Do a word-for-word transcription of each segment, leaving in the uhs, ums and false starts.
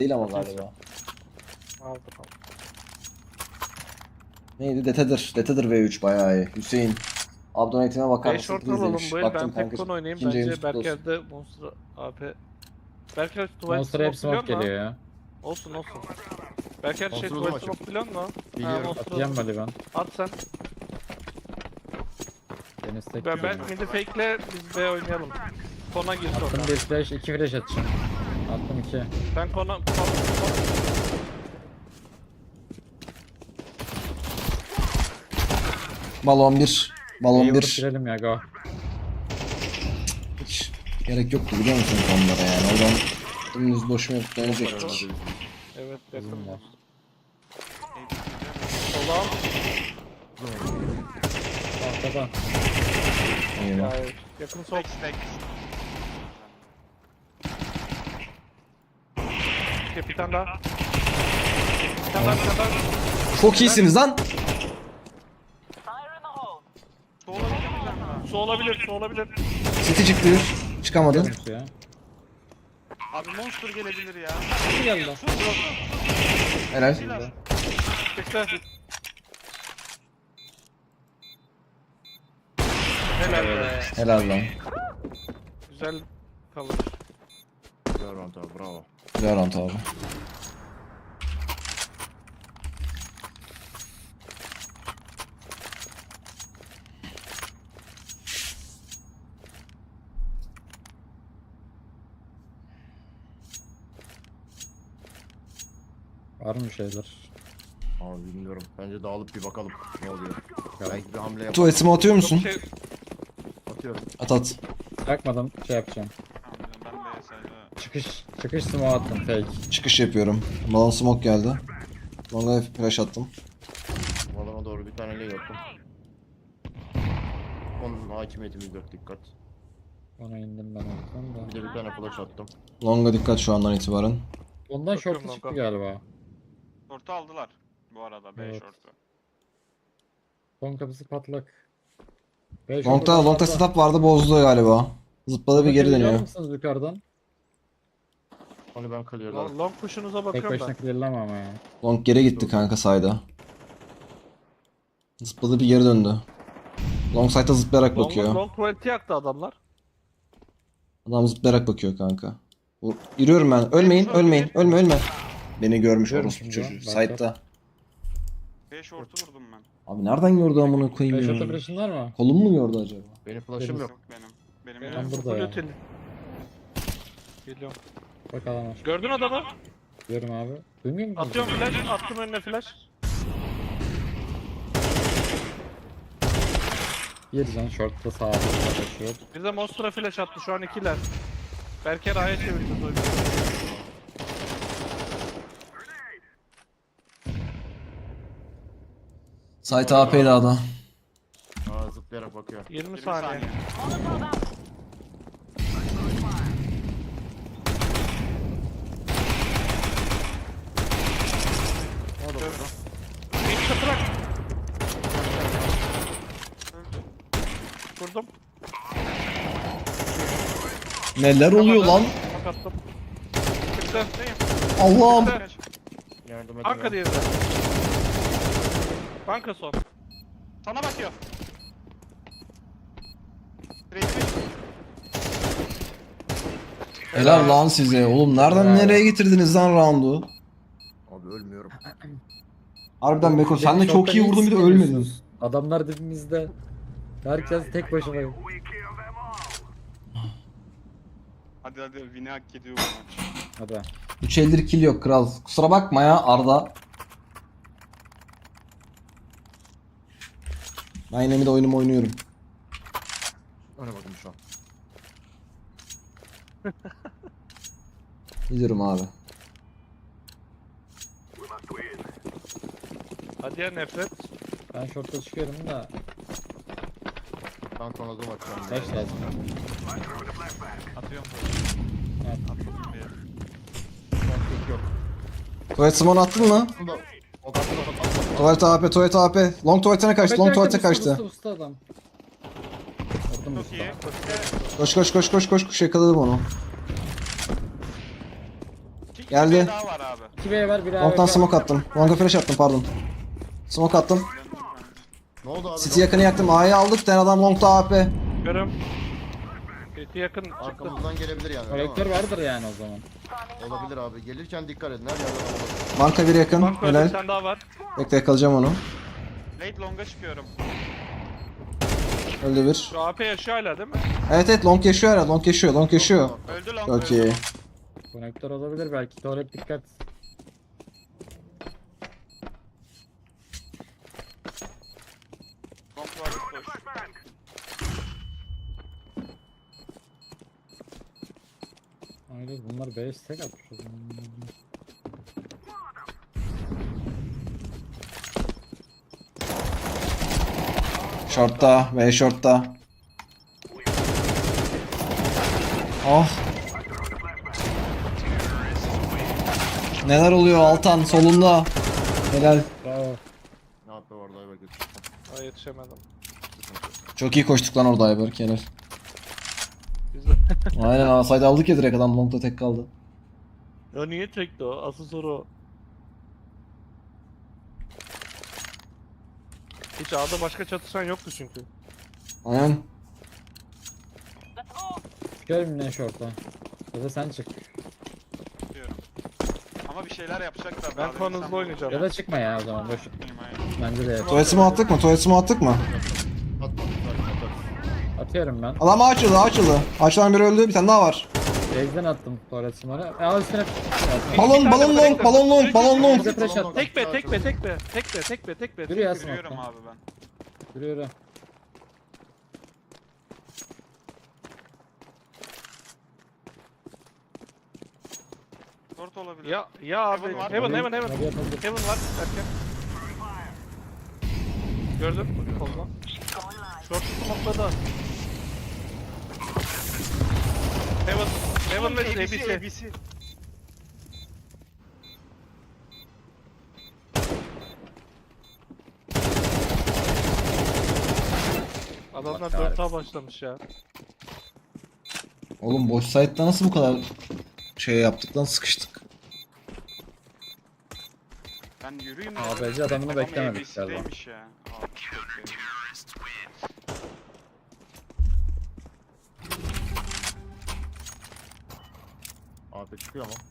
Değil ama galiba. Aldım aldım. Neydi? Detedir. Detedir V üç bayağı iyi. Hüseyin. Abdonate'ime bakar beş mısın? short Please alalım demiş. bu el. Baktım Ben kanka. Tekkon oynayayım. İkinci ayımız Bence kutlu olsun. Berker'de Monster A P. Berker tuvalet Monster smoke hep smoke biliyor geliyor musun? ya. Olsun olsun. Berker şey Monster'ı tuvalet maçım. smoke biliyor musun? Ha, Biliyorum. Monster Atacağım at. hadi ben. At sen. Deniz tek Ben, ben yiyorum. midi fake'le biz B oynayalım. Kona gir Attım sonra. bir flash, iki flash atacağım. Attım iki. Ben kona... kona, Balon bir. Balon İyi vurup bir. girelim ya go. Hiç gerek yoktu biliyor musunuz onlara yani. Oradan dümdüz boşuna dönecektik. evet yakın Uzun var. var. Sola. Arkadan. Eyvah. Hayır. Yakın sol. Okay, bir tane daha. Bir tane daha, bir tane daha. Çok iyisiniz lan. Su olabilir, su olabilir. City çıktı. Çıkamadı. Yunus ya. Abi monster gelebilir ya. Nasıl geldi lan? Helal. Bekle. Helal be. Helal lan. Güzel kalır. Güzel round abi, bravo. Güzel round abi. Var mı şeyler? Abi bilmiyorum. Bence dağılıp bir bakalım ne oluyor. Belki bir hamle yapalım. Tuvaletimi atıyor musun? Çok şey... Atıyorum. At at. Bırakmadan şey yapacağım. Ben de sadece Çıkış, çıkış smoke attım fake. Çıkış yapıyorum. Balon smoke geldi. Longa flash attım. Balona doğru bir tane lay attım. Onun hakimiyetimiz yok, dikkat. Ona indim ben oradan Bir da. de bir tane flash attım. Longa dikkat şu andan itibaren. Ondan Bakıyorum short'u çıktı lan, galiba. short'u aldılar. Bu arada B Evet. short'u. Son kapısı patlak. Beş Long'da, orada Long'da sağda. setup vardı bozdu galiba. Zıpladı bir geri Bakabiliyor dönüyor. musunuz yukarıdan? Onu ben clear'ladım. Long, long push'unuza Tek bakıyorum başına ben. clearlama ama ya. Long geri gitti kanka sayda. Zıpladı bir geri döndü. Long side'da zıplayarak Long, bakıyor. long tuvaleti yaktı adamlar. Adam zıplayarak bakıyor kanka. Vur- Yürüyorum ben. Ölmeyin, ölmeyin. Ölme, ölme. Beni görmüş Görmüş orospu mü çocuğu. ya? Side'da. B short'u vurdum ben. Abi nereden gördü amına Beş koyayım orta ya? flash'ın var mı? Kolum mu gördü acaba? Benim flash'ım yok. Yok benim. Benim Benim Ben yok. burada full ya. öteli. Geliyorum. Bakalım. Gördün adamı? Diyorum abi. Duymuyor musun? Atıyorum flash, attım önüne flash. Bir can short'ta sağa koşuyor. Bir de Monster'a flash attı, şu an ikiler. Berker A'ya çevirdi oyunu. Site A P'li adam. Aa, zıplayarak bakıyor. yirmi yirmi saniye. saniye. O da burada. Bir çatırak. Vurdum. Neler oluyor lan? Bak attım. Çıktı. Allah'ım. Çıktı. Yardım edin. Banka ya. diğeri de. Banka son. Sana bakıyor. Resmi. Helal lan size. Oğlum nereden Bravo. nereye getirdiniz lan round'u? Abi ölmüyorum. Harbiden Beko sen de Benim çok iyi short'ta vurdun bir de hiç ölmedin. bilmiyorsunuz. Adamlar dibimizde. Herkes tek başımayım. Hadi hadi win'i hak ediyor bu maç. Hadi. üç eldir kill yok kral. Kusura bakma ya Arda. Ben yine de oyunumu oynuyorum. Öne bakın şu an. Gidiyorum abi. Hadi ya nefret. Ben short'ta çıkıyorum da. Ben sonra da bakacağım. Flash lazım. Atıyorum. Evet. Attım bir. Konflik yok. Tuvalet smoke attın mı? Bunda o kadar da patlatma. Tuvalet A P, tuvalet A P. Long tuvaletine kaçtı, long tuvalete kaçtı. Usta usta adam. Vurdum Çok usta. iyi. Koş koş koş koş koş koş yakaladım onu. Ki Geldi. daha var abi. iki B var bir A. Long'dan smoke attım. Long'a flash attım pardon. Smoke attım. Ne oldu abi? City yakını yaktım. A'yı aldık. Bir tane adam Long'da A P. Görüm. City yakın çıktı. Arkamızdan gelebilir yani. öyle mi? Kolektör vardır yani o zaman. Olabilir abi. Gelirken dikkat edin. Her yerde olabilir. Banka bir yakın. Banko öyle bir Helal. tane daha var. Bekle yakalayacağım onu. Late long'a çıkıyorum. Öldü bir. Şu A P yaşıyor hala değil mi? Evet evet long yaşıyor herhalde. Long yaşıyor. Long yaşıyor. Öldü long. Çok öldü iyi. long. Konektör olabilir belki. Tuvalet dikkat. Long var boş. Aynen bunlar B stack atmış o zaman. Short'ta ve short'ta. Oh. Neler oluyor Altan solunda. Helal. Bravo. Ne yaptı orada Ayberk? Aa yetişemedim. Çok iyi koştuk lan orada Ayberk. Helal. Güzel. Aynen asaydı aldık ya direkt adam long'da tek kaldı. Ya niye çekti o? Asıl soru o. Hiç A'da başka çatışan yoktu çünkü. Aynen. Çıkarım ne short'a. Ya da sen çık. Diyorum. Ama bir şeyler yapacaklar. Ben daha şu an demin hızlı sen oynayacağım. Ya da çıkma ya o zaman boş. vurdun. Aynen. Bence de yap. Tuvaletimi attık mı? Tuvaletimi attık mı? Atma. Atma. Atıyorum ben. Adam açıldı açıldı. Açılan biri öldü. Bir tane daha var. Base'den attım tuvalet smoke'u. Aa üstüne. Balon balon long balon long balon long. Bize flash attı. Tek be, tek be, tek be, tek be, tek be, tek be. Yürü ya Yürüyorum smoke'tan. abi ben. Yürü yürü. Short olabilir. Ya, ya abi. Heaven var. Heaven, heaven, heaven. Hadi yapalım. Heaven var. Erken. Gördün mü? Solda. Short smoke'ladı. Heaven. Heaven ve A B C. A B C. Adamlar dört A başlamış ya. Oğlum boş site'da nasıl bu kadar şey yaptık lan sıkıştık. Ben yürüyeyim Aa, dedim. bence adamını Adam beklemedik galiba. A B C'deymiş ya. Abi, bekledim. Abi çıkıyor ama.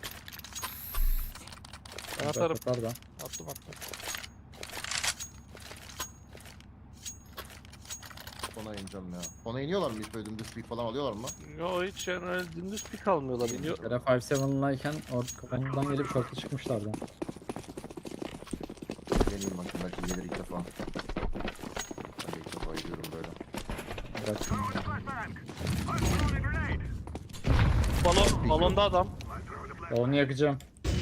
Ben atarım. Atar da. Attım attım. Ona ineceğim ya. Ona iniyorlar mı hiç böyle dümdüz speed falan alıyorlar mı? Yo hiç yani öyle dümdüz pik almıyorlar. İniyor. Yere beş yedi'layken oradan gelip short'a çıkmışlardı. Deneyim bakayım belki gelir ilk defa. Ben de ilk defa gidiyorum böyle. Bıraktım. Balon, balonda adam. Onu yakacağım.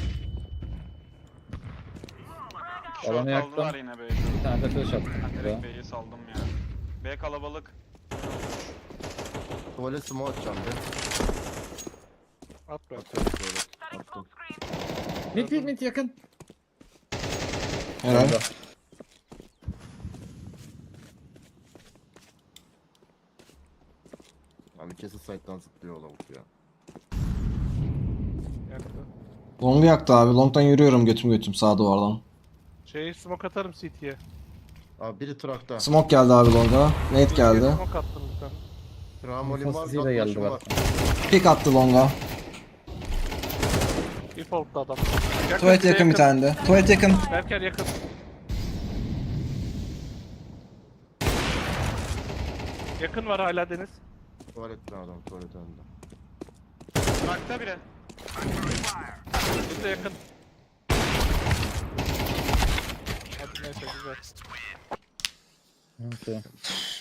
Short Alanı yaktım. aldılar yine B'yi. Bir tane de flash attım. Ben buraya. direkt B'yi saldım ya. B kalabalık. Tuvalet smoke atacağım bir. At be. Atıyorum tuvalet. Attım. Mid mid mid yakın. Helal. Abi kesin site'dan zıplıyor o lavuk ya. Yaktı. Long'u yaktı abi. Long'dan yürüyorum götüm götüm sağ duvardan. Şey smoke atarım C T'ye. Abi biri trakta. Smoke geldi abi Long'a. Nate geldi. Smoke attım bir tane. Tramolin var. Infosuz de geldi Gatlaşım bak. var. Pick attı Long'a. Default'ta adam. Tuvalet bize yakın bir tane de. Tuvalet yakın. Berker yakın. Yakın var hala Deniz. Tuvalette adam tuvalet önünde. Trakta biri. Biz de yakın. Hadi neyse güzel. Okey.